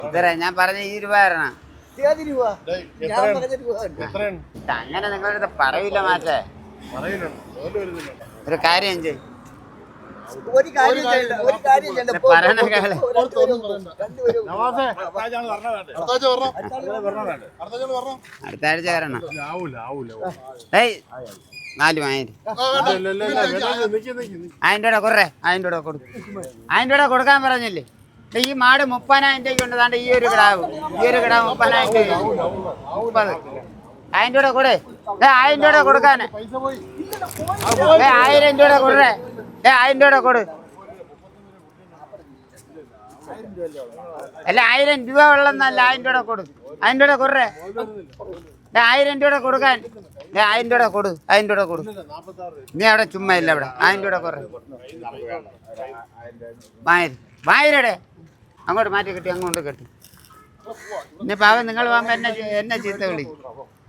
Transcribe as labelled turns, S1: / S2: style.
S1: ഞാൻ പറഞ്ഞ 20 രൂപ തരണം. അങ്ങനെ നിങ്ങളുടെ പറയില്ല മാറ്റേ. ഒരു കാര്യം ചെയ്യും അടുത്ത ആഴ്ച വരണം. 4,000 കുറേ 1,000 രൂപ കൊടുക്കും. 1,000 രൂപ കൊടുക്കാൻ പറഞ്ഞില്ലേ? ഈ മാട് 30,000 രൂപയ്ക്ക് ഉണ്ട്. താണ്ട് ഈ ഒരു കിടാവ് 30,000 രൂപ. 30. 1,000 രൂപ കൊടു. 1,000 രൂപ കൊടുക്കാന്. 1,000 രൂപ കൊടുറേ. 1,000 രൂപ കൊടു. അല്ല 1,000 രൂപ ഉള്ളന്നല്ല. 1,000 രൂപ കൊടു. 1,000 രൂപ കൊടുറേ. 1,000 രൂപ കൊടുക്കാൻ. 1,000 രൂപ കൊടു. 1,000 രൂപ കൊടു. നീ അവിടെ ചുമ്മാ ഇല്ല അവിടെ. 1,000 രൂപ കുറേ. 1,000 അങ്ങോട്ട് മാറ്റി കെട്ടി അങ്ങോട്ട് കെട്ടി. ഇനി പാവം നിങ്ങൾ പോകുമ്പോ എന്നെ ചീത്ത വിളി.